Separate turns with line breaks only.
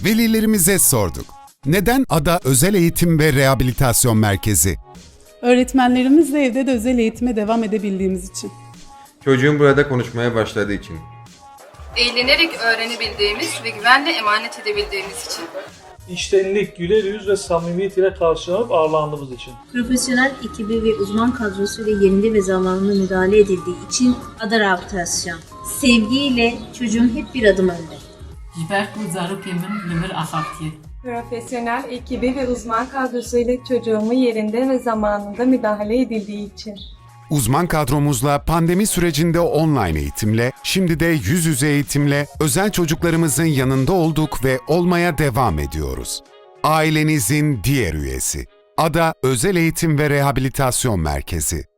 Velilerimize sorduk. Neden Ada Özel Eğitim ve Rehabilitasyon Merkezi?
Öğretmenlerimizle evde de özel eğitime devam edebildiğimiz için.
Çocuğun burada konuşmaya başladığı için.
Eğlenerek öğrenebildiğimiz ve güvenle emanet edebildiğimiz için.
İçtenlik, güler yüz ve samimiyet ile karşılanıp ağırlandığımız için.
Profesyonel ekibi ve uzman kadrosuyla yerinde ve zamanında müdahale edildiği için Ada Rehabilitasyon. Sevgiyle çocuğun hep bir adım önde.
Jiber zarok emin limir ahaktiye.
Profesyonel ekibi ve uzman kadrosuyla çocuğumu yerinde ve zamanında müdahale edildiği için.
Uzman kadromuzla pandemi sürecinde online eğitimle, şimdi de yüz yüze eğitimle özel çocuklarımızın yanında olduk ve olmaya devam ediyoruz. Ailenizin diğer üyesi. Ada Özel Eğitim ve Rehabilitasyon Merkezi.